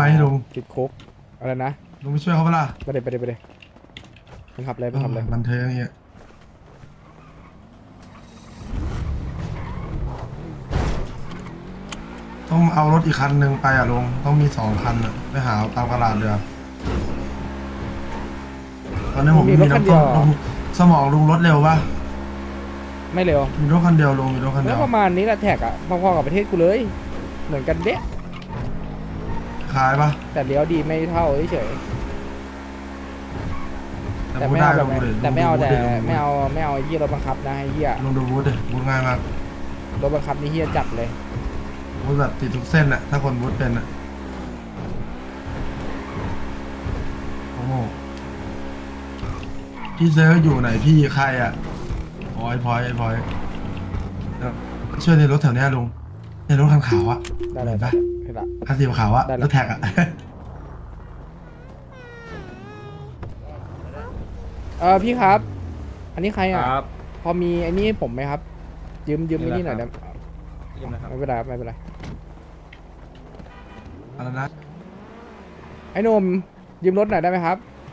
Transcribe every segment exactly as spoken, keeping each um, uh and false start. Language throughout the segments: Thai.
ลุงติดคุกอะไรนะลุงไปช่วยเขาเปะล่าไปเลยไปเลยไปเลยไปขับเลยไปขับเลยบันเทิงอย่างเงี้ยต้องเอารถอีกคันหนึ่งไปอ่ะลุงต้องมีสองคันอ่ะไปหาเอาตามตลาดเรือตอนนี้ผมมีมีรถคันน้ำเดีส้ยวมลุงสมองลุงรถเร็วปะไม่เร็วมีรถคันเดียวลุงมีรถคันเดีแล้ยว วประมาณนี้แหละแท็กอะพอๆกับประเทศกูเลย เหมือนกันเด๊ะขายปะแต่เลี้ยวดีไม่เท่าเฉยแต่แต่พูดไม่ได้เอาแบลุบงดูดิแต่ไม่เอาแต่ลุงดูดิไม่เอาไม่เอาไอ้เหี้ยรถบังคับนะไอ้เหี้ยลุงดูบูธดิบูธง่ายมากรถบังคับนี่เหี้ยจัดเลยบูธแบบติดทุกเส้นอ่ะถ้าคนบูธเป็นอ่ะโอ้โหพี่เซอร์อยู่ไหนพี่ใครอ่ะพอยพอยพอยช่วยในรถแถวเนี้ยลุงในรถคันขาวอ่ะได้เลยเห็นปะเห็นละคันสีขาวอ่ะได้เลยรถแท็กอ่ะเออพี่ครับ อันนี้ใครอ่ะครับพอมีไอ้นี่ให้ผมไหมครับ ยืมยืมไอ้นี่หน่อยนี่ได้แหละครับ ยืมนะครับไม่เป็นไรครับไม่เป็นไรอะไรนะไอ้หนุ่มยืมรถหน่อยได้ไหมครับ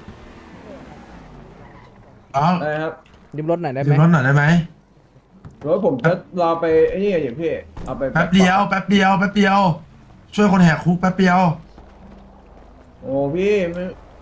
อ๋อได้ครับยืมรถหน่อยได้ไหยืมมรถหน่อยได้ไหมรถผมจะรอไปไอ้นี่อย่างพี่เอาไปแป๊บเดียวแป๊บเดียวแป๊บเดียว ช่วยคนแหกคุกแป๊บเดียวโอ้พี่ไม่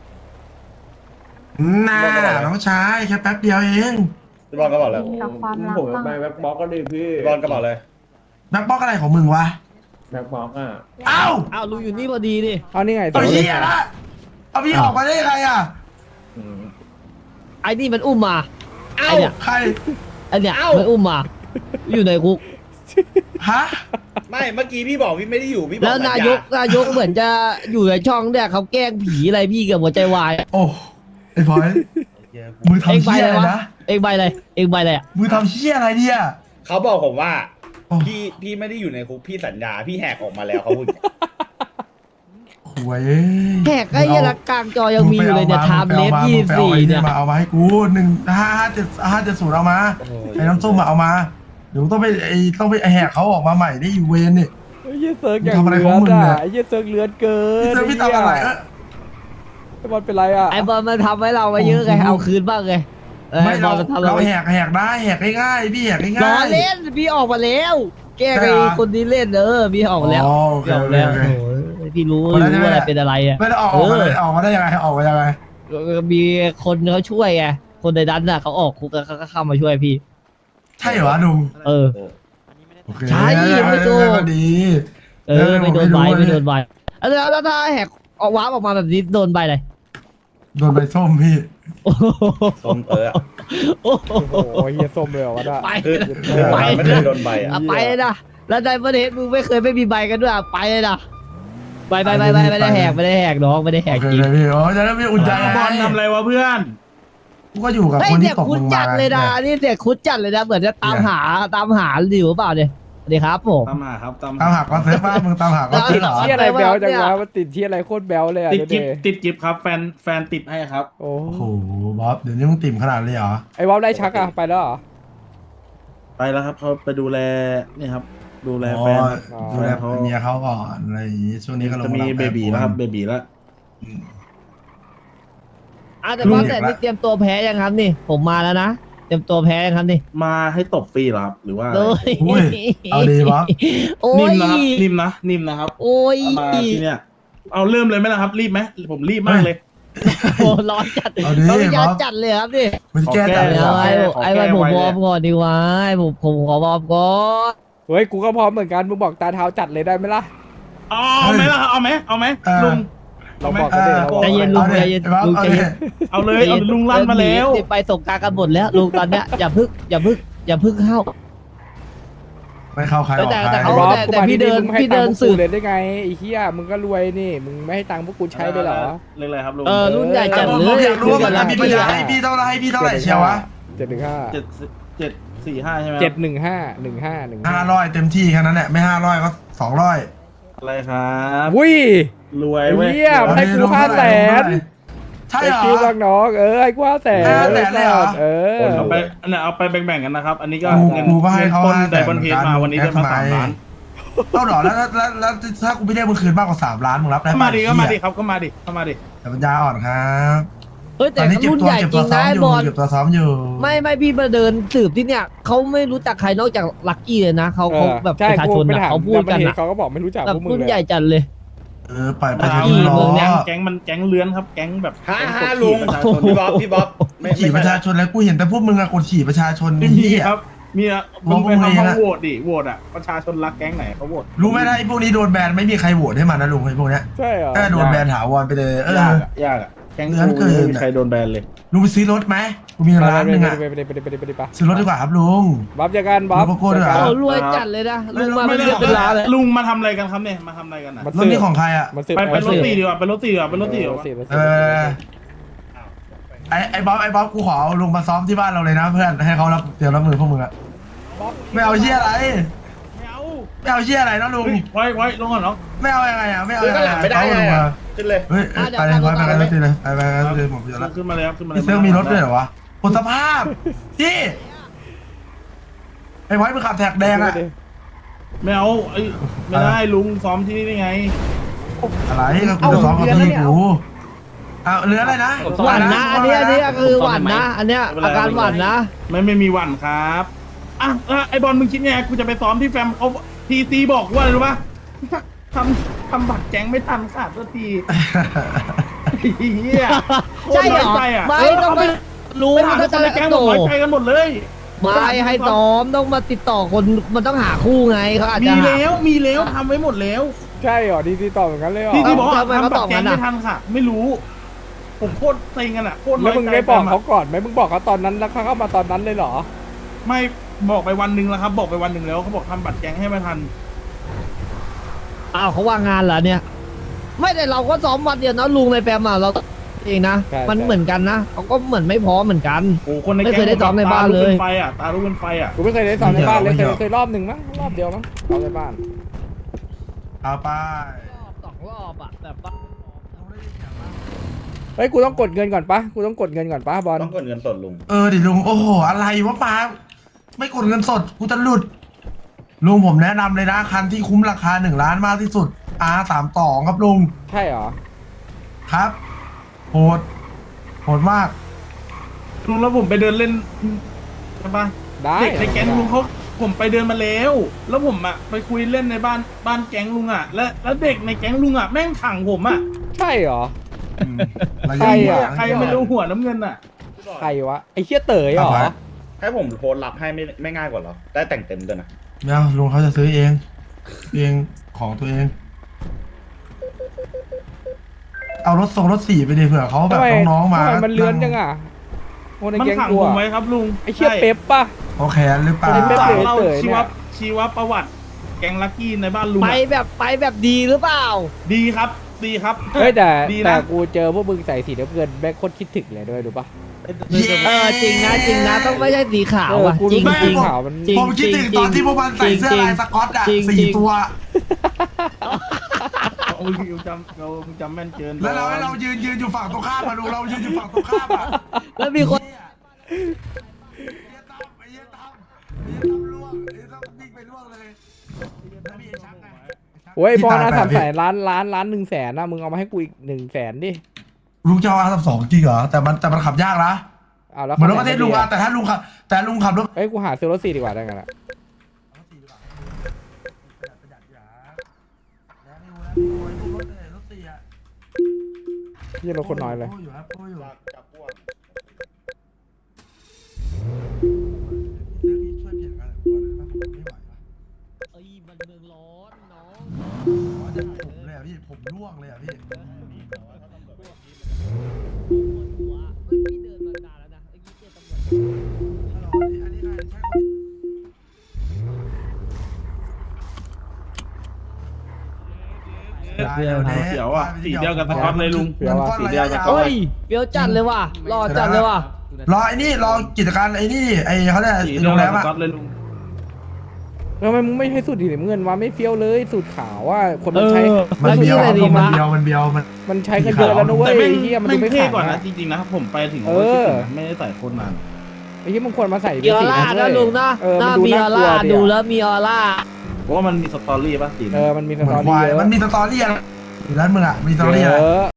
น่าน้องชายแค่แป๊บเดียวเองพี่บอลก็บอกเลยกับความรักผมจะบ้างไปแบ็คบ็อกก็ดีพี่พี่บอลก็บอกเลยแบ็คบ็อกอะไรของมึงวะแบ็คบ็อกอ่ะเอ้าอ้าวลุงอยู่นี่พอดีนี่เอานี่ไงเอาเหี้ยละเอาพี่ออกมาได้ยังไงอ่ะอืมไอ้นี่มันอุ้มมาไอ้เนี่ยใครไอ้เนี่ยมันอุ้มมา อยู่ในคุกฮะไม่เมื่อกี้พี่บอกพี่ไม่ได้อยู่พี่บอกแล้วนายกนายกเหมือนจะอยู่ในช่องเนี่ยเขาแกล้งผีอะไรพี่เกับหัวใจวายโอ้ไอ้พลอยมือเองทำใบเหี้ยอะไรอะไรวะนะเองใบอะไรเองใบอะไรอ่ะมือทำเหี้ยอะไรเนี่ยเขาบอกผมว่าโอ้พี่พี่ไม่ได้อยู่ในคุกพี่สัญญาพี่แหกออกมาแล้วเขาพูดอย่างนี้หวยเอ้ยแขกไอ้เหี้ยละกลางจอยังมีอยู่เลยเนี่ยไทม์เลสยี่สิบสี่เนี่ยมาเอามาให้กูหนึ่งห้าห้าเจ็ดห้าเจ็ดศูนย์เอามาไอ้น้ำส้มมาเอามาเดี๋ยวต้องไปไอ้ต้องไปแหกเขาออกมาใหม่ได้อีเวนนี่ไอ้เหี้ยเซิร์กอย่างทำอะไรเลืของอมึดงเนี่อ่ะยไอ้เหี้ยเซิร์กเลือดเกินพี่เซอร์พี่ทำอะไรเออไอ้บอลเป็นไรอ่ะไอ้บอลมันทำให้เรามาเยอะไงเอาคืนบ้างไงเออไม่ไอ้บเราอลมันทำเราเราแหกแหกได้แหกง่ายๆพี่แหกง่ายๆล้อเล่นพี่ออกมาแล้ว แกล้งใช่ไอ้เหรอคนนี้เล่นเออพี่ออกมาแล้วอ๋อโอเคพี่ออกมาแล้วโอเคโอ้ยพี่รู้เอาแล้วรู้ใช่ไหมอะไรเป็นอะไรอ่ะไม่ได้ออกออกมาได้ออกมาได้ยังไงออกมายังไงมีคนเขาช่วยไง คนในดันน่ะเขาออกคุกแล้วเขาก็เข้ามาช่วยพี่ใช่เหรอลุงเออโอเคใช่ไม่โดนก็ดีเออ ไม่โดนใบไม่รู้ไม่โดนใบแล้วแล้วถ้าแหกออกวาร์ปออกมาแบบนี้โดนใบเลยโดนใบส้มพี่โอ้โหส้มเตอโอ้โหโอ้โหเฮียส้มเลยเหรอวะน่ะไปคือเลยคือไปไม่ได้โดนใบอ่ะอ่ะไปเลยนะแล้วในประเทศมึงไม่เคยไม่มีใบกันด้วยอ่ะไปเลยนะไปไปไปไปไม่ได้แหกไม่ได้แหกน้องไม่ได้แหโอก เคจริงเลยพี่โอ้จะได้ไม่อุ่นใจบอลทำอะไรวะเพื่อนกูก็อยู่กับเฮ้ยคนเด็ที่กตกคุลดงจัมาดเลยนะนี่เด็กคุดจัดเลยนะเหมือนจะตามหาตามหาอยู่หรือเปล่าเนี่ยสวัสดีครับผมตามหาครับตามตามหักก็เซฟบ้ามึงตามหักก็เซฟเหรอเที่ยอะไรแบลจังวะมันติดเที่ยอะไรโคตรแบลเลยอ่ะติดดูกิฟดิติดกิฟครับแฟนแฟนติดให้ครับโอ้โอ้โหบ๊อบเดี๋ยวนี้มึงติ่มขนาดเลยเหรอไอ้วอลได้ชักอ่ะไปแล้วเหรอไปแล้วครับเขาไปดูแลนี่ครับ ดูแลอ๋อแฟนดูแลเมียเขาก่อนอะไรอย่างงี้ช่วงนี้ก็ลงจะมีเบบีแล้วครับเบบีแล้วอ่ะแต่ว่าแต่นี่เตรียมตัวแพ้ยังครับนี่ ผมมาแล้วนะเตรียมตัวแพ้ยังครับนี่มาให้ตบฟรีเหรอครับหรือว่าอะไรเลยอุ้ยเอาดีบ๊อบโอ้นิ่ยมนะครับนิ่มนะนิ่มนะครับโอ้ยเอามาที่เนี่ยเอาเริ่มเลยไหมล่ะครับ รีบไหมผมรีบมากเลยโอ้ร้อนจัดเอาดีเขาไม่ยอมบ๊อบจัดเลยครับนี่มันแก้จัดเลยเดี๋เหยรวอไอ้ขอแก้ไอ้วันผมไว้วเลยอร์มก่อนดีวะไอ้ผมผมขอวอร์มก่อนเฮ้ยกูก็พร้อมเหมือนกันมึงบอกตาเท้าจัดเลยได้ไหมล่ะเอาเอาไหมล่ะเอาไหมเอาไหมลุงเราบอกกันเลยเราบอกใจเย็นลุงใจเย็นลุงใจเย็นเอาเลยเอาลุงลั่นมาแล้วเดี๋ยไปส่งกลารกันหมดแล้วลุงตอนเนี้ยอย่าพึ่งอย่าพึ่งอย่าพึ่งเข้าไม่เข้าใครออกแต่ใครแต่ไอ้เขาบอสแต่กูแต่มาพี่ที่เดินมึงไม่ให้พี่ตัเดิงนค์พวกสืกูบเลยได้ไงไอ้เหี้ยมึงก็รวยนี่มึงไม่ให้ตังค์พวกกูใช้เลยเหรอเรื่องอะไรครับลุงเออรุ่นใหญ่จัดผมเลผมยอยากรู้ว่ามันคือมีกัปัญนญาละให้พี่เท่าไรให้พี่เท่าไหร่เชียววะเจ็ดหนึ่งห้าเจ็ดเจ็ดสี่ห้าใช่ไหมเจ็ดหนึ่งห้าหนึ่งห้าหนึ่งห้าร้อยเต็มที่แค่นั้นแหละไม่ห้าร้อยก็สองร้อยอะไรครับวุ้ยรวยเว้ยเหี้ย ให้กูห้าแสนใช่ไอ้เหรอคิวบางน้องเออไอ้กูห้าแสนห้าแสนเลยเหรอเออเอาไปเนี่ยเอาไปแบ่งๆกันนะครับ อันนี้ก็กูเงินกูก็ให้เงินเขาต้นห้าแสนไดบอนเฮดมาวันนี้ได้มาสามล้านโเอาหรอแล้วแล้วแล้วแล้วถ้ากูไม่ได้มึงคืนมากกว่าสามล้านมึงรับได้ก็ปะมาดิก็มาดิเหี้ยครับก็มาดิก็มาดิแต่ปัญญาอ่อนครับเฮ้ยตแต่อนนี้เก็บรุ่นตัวใหญ่เก็บจตัริวงซ้อนะมไอ้อยู่บอลเก็บตัวซ้อมอยู่ไม่ไม่พี่มาเดินสืบที่เนี่ยเขาไม่รู้จักใครนอกจากลักกี้เลยนะเขาเขาแบบใช่ประชาชนกูไปอะถามเขาพูดกันดัมเบิลเฮอะเขาก็บอกไม่รู้จักแบบพวกมึงรุ่นเลยใหญ่จัดเลยเออปล่อยไปมาเถอะเอาพี่น้เมืออง เนี่ยแก๊งมันแก๊งเลื้อนครับแก๊งแบบฮ่าแก๊งฮ่ากดลุขี่งประชาชนพี่บ๊อบพี่บ๊อบไม่ขี่ไม่ประชาชนแล้วกูเห็นแต่พวกมึงอะกดขี่ประชาชนไม่นี่มีเหี้ยครับมีอะมองมึงไปพวกมึงทำเองห้องอะโหวตดิโหวตอะประชาชนรักแก๊งไหนเขาโหวตรู้ไหมนะไอ้พวกนี้โดนแบนไม่มีใครโหวตให้มันนะลุงไอ้พวกเนี้ยใช่เหรอถ้าโดนแบนถาวรไปเลยเออยากอะยากอะแก๊งเลื้อนกูเกินไม่มีใครโดนแบนเลยลุงไปซื้อรถไหมกูมีร้านหนึ่งอะไปไปไปไปไปไปไปไปซื้อรถดีกว่าครับลุงบ๊อบจากกันบ๊อบลุงโกโก้ด้วยเหรอจากเขากันรวยจัดเลยนะลุงมาไม่เป็นได้เรื่องเป็นราวเลยลุงมาทำอะไรกันครับเนี่ยมาทำอะไรกันอะมันรถนี่ของใครอะมันสืบไปไปรถสืบตีดีกว่าไปรถตีดีกว่าไปรถตีดีกว่าสืบสืบเออไอ้ไอ้บ๊อบไอ้บ๊อบกูขอเอาลุงมาซ้อมที่บ้านเราเลยนะเพื่อนให้เขารับเตรียมรับมือพวกมึงอะไม่เอาเชี่ยอะไรไม่เอาไม่เอาเชี่ยอะไรนะลุงเฮ้ยไว้ไว้ลงก่อนเนาะไม่เอายังไงอะไม่เอาคือยังก็ไงหลังอะไม่ได้เอาไงลุงอะมาขึ้นเลยเฮ้ยไปเลยไปไปกันรถตีเลยไปไปกันรถตีเลยผมเยอะแล้วขึ้นมาเลยครับขึ้นมาเลยพี่เซิร์ฟมีรถด้วยเหรอวะผลสภาพที่ไอ้ไว้มึงขับแท็กแดงอะไม่เอาไอ้ไม่ได้ลุงซ้อมที่นี่ได้ไงอะไรก็กูจะซ้อมกับพี่กูเอาเรืออะไรนะหวั่นนะอันเนี้ยอันเนี้ยคือหวั่นนะ อันเนี้ยอาการหวั่นนะไม่ไม่มีหวันครับอ่ะอ่ะไอบอลมึงคิดไงกูจะไปซ้อมที่แฟมเขาทีซีบอกว่าอะไรรู้ปะทำทำบัตรแก๊งไม่ทันขาดสักทีเฮียใช่เหรอโคตน้ยใจะไม่เต้องไปรู้ไปถามถ้าคจะนในแก๊งโตบอกน้อยใจกันหมดเลยไม่ให้ซ้อมต้องมาติดต่อคนมันต้องหาคู่ไงเขาอาจมีจะหาแล้วมีแล้วทำไว้หมดแล้วใช่เหรอดีดีตอบอย่างนั้นเลยเหรอทีซีบอกว่าทำไมเขาทำบัตตอบรแก๊งงั้นอะไม่ทันค่ะ ไม่รู้ ผมโคตรเซ็งกันอ่ะโคตรน้แล้อวย มึงใจไม่บอกแฟมะเขาก่อนไหมมึงบอกเขาตอนนั้นแล้วเขาเข้ามาตอนนั้นเลยเหรอไม่บอกไปวันหนึ่งแล้วครับ บอกไปวันหนึ่งแล้วเขาบอกทำบัตรแก๊งให้ไม่ทันอ้าวเขาว่างงานเหรอเนี่ย ไม่แต่เราก็ซ้อมวันเดียวนะลุงในแปมอ่ะเราเองนะใช่มันใช่เหมือนกันนะเขาก็เหมือนไม่พร้อมเหมือนกันโอ้คนในไม่แก๊งเคยได้ซ้อมในบ้านเลยตลุกเป็นไฟอ่ะตาลุกเป็นไฟอ่ะกูไม่เคยได้ซ้อมในบ้านเลยเคยเคยรอบหนึ่งมั้งรอบเดียวมั้งซ้อมในบ้านเอาไปรอบสองรอบอ่ะแบบว่าเฮ้ยกูต้องกดเงินก่อนปะกูต้องกดเงินก่อนปะบอลต้องกดเงินสดลุงเออดิลุงโอ้โหอะไรวะป้าไม่กดเงินสดกูจะหลุดลุงผมแนะนำเลยนะคันที่คุ้มราคาหนึ่งล้านมากที่สุด อาร์ สามสองครับลุงใช่เหรอครับโหดโหดมากลุงแล้วผมไปเดินเล่นใช่ปะได้เด็กในแก๊งลุงเขาผมไปเดินมาแล้ว แล้วผมอ่ะไปคุยเล่นในบ้านบ้านแก๊งลุงอ่ะ และแล้วเด็กในแก๊งลุงอ่ะแม่งขังผมอ่ะใช่เหรออืมระใครยะอะใครไม่รู้หัวน้ำเงินอ่ะใครวะไอ้เชี่ยเต๋อเหรอให้ผมโพสต์รับให้ไม่ไม่ง่ายกว่าเหรอ ได้แต่งเต็มด้วยนะไม่เอาลุงเขาจะซื้อเองเองของตัวเอง เอารถส่งรถสี่ไปดิเผื่อเขาแบทำบไมน้องๆมาทำไมมันเลื้อนจังอ่ะโอ้ในมันแก๊งขังกูผมอะไว้ครับลุงไอ้เชี่ยใช่เป๊ปปะเขาแค้นหรือเปล่าไอ้ผมป๊ปสั่งเต๋อเล่าเต๋อชีเนี่วย ชีวประวัติ แก๊งลักกี้ในบ้านลุงไปอะแบบไปแบบดีหรือเปล่าดีครับ ดีครับเฮ้ยแต่ดีแต่นะกูเจอพวกมึงใส่สีน้ำเงินแม่งโคตรคิดถึงเลยด้วยรู้ปะเย้เออจริงนะจริงนะต้องไม่ใช่สีขาวอ่ะเออกูจริงรู้จริงขาวมันจริงผมคิดถึงตอนที่พวกมันใส่เสื้อลายสก๊อตอ่ะจริงสี่จริงตัวเอามึงจำเรามึงจำแม่นเกินแล้วเราให้เรายืนยืนอยู่ฝั่งตรงข้ามมาดูเรายืนอยู่ฝั่งตรงข้ามอ่ะแล้วมีคนไอ้เหี้ยตั้มไอ้เหี้ยตั้มไอ้เหี้ยตั้มล่วงไอ้เหี้ยตั้มวิ่งไปล่วงเลยแล้วมีไอ้ชักไงโอ้ยบอลนะที่ตสามแปแสดนล้านล้านล้านหนึ่งแสนนะมึงเอามาให้กูอีกหนึ่งแสนดิลุงจะเอาอาร์สองจริงเหรอแต่มันแต่มันขับยากนะเอาแล้วเหมือนรถประเทศคันไหนลุงดีอะแต่ถ้าลุงขับแต่ลุงขับรถเฮ้ยกูหาซื้อรถสี่ดีกว่าได้ไงล่ะเยี่ยรถคนน้อยเลยโอยู่ครับโอ้อยู่จากจากพวกช่วยเปลี่ยนกันตัวหน่อยป่ะผมไม่ไหวว่ะเอ้ยมันเมืองร้อนน้องอ๋อจะผมเลยอ่ะพี่ผมร่วงเลยอ่ะพี่หัวเฮ้ยพี่เดินมานานแล้วนะเมื่อกี้เจอตำรวจฮัลโหลอันนี้อันนี้ใครใช่คนที่เขียวอ่ะสีเดียวกับสก๊อตเลยลุงเงินก้อนระยะยาวเฮ้ยเฟี้ยวจัดเลยว่ะรอจัดเลยว่ะรอไอ้นี่รอกิจการไอ้นี่ไอ้เขาเรียกสีไอ้เดียโรวงแรกับมสอะก๊อตเลยลุงทำไมมึงไม่ใช้สูตรสีน้ำเงินวะไม่เฟี้ยวเลยสูตรขาวว่าคนเอมันใช้อมันแล้วเบีนี่ยวอะไรดีมันมะเบียวมันเบียวมันมันใช้กันเยอะแล้วนะเว้ยแต่แม่งไอ้เฮียมันแม่ดูงไม่เท่ขาวกว่านะนะจริงๆนะผมไปถึงเออไม่ได้ใส่โคตรนานไอ้เฮียมึงควรมาใส่มีออร่าสีนะเว้ยลุงนะเออหมัน้านดูมีอน่าอกลัวร่าดิดูอะแล้วมีออร่าว่ามันมีสตอรี่ป่ะตีนเออมันมีสเหมืตออนควายรี่เยอะมันมีสตอรี่อะไรอยู่ร้านมึงอ่ะมีสตอรี่เยอะไรอะ